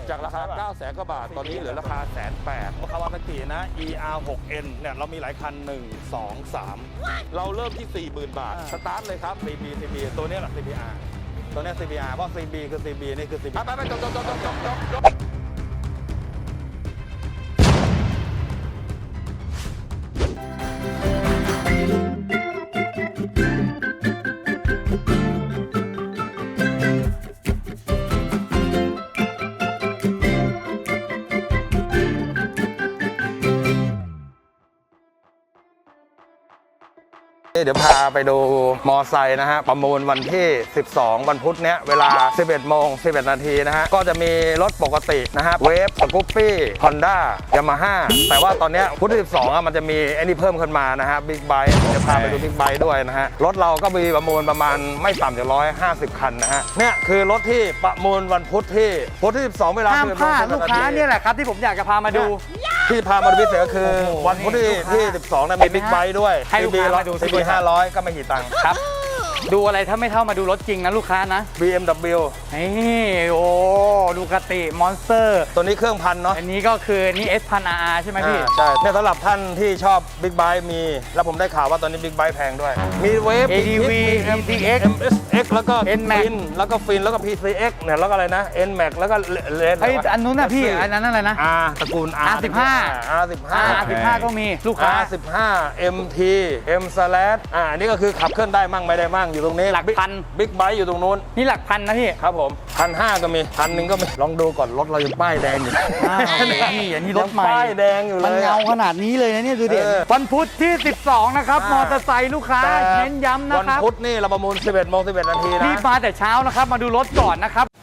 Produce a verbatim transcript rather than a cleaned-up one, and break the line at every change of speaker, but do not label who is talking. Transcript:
จากราคา เก้าแสน กว่าบาทตอนนี้เหลือราคา แสนแปด
คาวาซากินะ อี อาร์ หก เอ็น เนี่ยเรามีหลายคันหนึ่ง สอง สาม
เราเริ่มที่ สี่หมื่น บาท สตาร์ทเลยครับ
ซี บี ซี บี ตัวนี้แหละ ซี บี อาร์ ตัวนี้ ซี บี อาร์ เพราะ ซี บี คือ ซี บี นี่คือ ซี บี
ไปไปจบจบจบจบจบจบจบ
เดี๋ยวพาไปดูมอไซค์นะฮะประมูลวันที่ สิบสอง วันพุธเนี้ยเวลา สิบเอ็ดโมงสิบเอ็ดนาทีนะฮะก็จะมีรถปกตินะฮะเวฟสกูปปี้ฮอนด้ายามาฮ่าแต่ว่าตอนเนี้ยพุธที่สิบสองอ่ะมันจะมีไอ้นี่เพิ่มขึ้นมานะฮะบิ๊กไบค์จะพาไปดูบิ๊กไบค์ด้วยนะฮะรถเราก็มีประมูลประมาณไม่ต่ำจากร้อยห้าสิบคันนะฮะเนี่ยคือรถที่ประมูลวันพุธที่พุธที่สิบสองเวลา
ห้ามพลาดลูกค้าเนี่ยแหละครับที่ผมอยากจะพามาดู
ที่พามาดูพิเศษก็คือ
โอ้โห
วันพุธที่
นี่ลูกค้า
ที่สิบสองเนี่ยมีบิ๊กไบค์ด้วย
ให้ลูกค้ามาดู
ซีบีห้าร้อยก็ไม่กี่ตังค์
ครับ ดูอะไรถ้าไม่เท่ามาดูรถจริงนะลูกค้านะ
บี เอ็ม ดับเบิลยู
นี่โอ้ดูกติมอนสเตอร์
ตัวนี้เครื่องพันเนาะ
อันนี้ก็คือนี่ เอส พัน อาร์ อาร์ ใช่ไหมพี่
อ่าใช่เนี่ยสำหรับท่านที่ชอบบิ๊กไบค์มี แล้วผมได้ข่าวว่าตอนนี้บิ๊กไบค์แพงด้วย มีเวฟ
เอ ดี วี
เอ็ม
ดี เอ็กซ์
เอส เอ็กซ์ แล้วก็
เอ็นแม็ก
ฟินแล้วก็ฟินแล้วก็ พี ซี เอ็กซ์ เนี่ยแล้วก็อะไรนะ เอ็น แม็ก แล้วก็เลน
ไอ้ยอันนู้นน่ะพี่อันนั้นอะไรนะ
อาร์ตระกูล R
อาร์ สิบห้า
อาร์ สิบห้า
อาร์ สิบห้าก็มีลูกค้า
อาร์ สิบห้า เอ็ม ที M slash อ่าอันนี้ก็คือขับเคลื่อนได้มั่งไม่ได้มั่งอยู่ตรงนี้
หลักพัน
บิ๊กไบค์อยู่ตรงนู้น
นี่หลักพันนะพี่
ครับผมพันห้าก็มีพันหนึ่งก็มีลองดูก่อนรถเรายังป้ายแดงอยู่
อ้าวนี่อันนี้รถใหม่
ยังป้ายแดงอยู่เลย
มันเงาขนาดนี้เลยนะเนี่ยดูดิ
เออ
วันพุธที่ สิบสอง นะครับ
อ่าม
มอเตอร์ไซค์ลูกค้า
แต่
เน้นย้ำนะ
วัน
ครับ
พุธนี่เราประมูล สิบเอ็ดโมงสิบเอ็ดนาทีนะ
รีบมาแต่เช้านะครับ มาดูรถก่อนนะครับ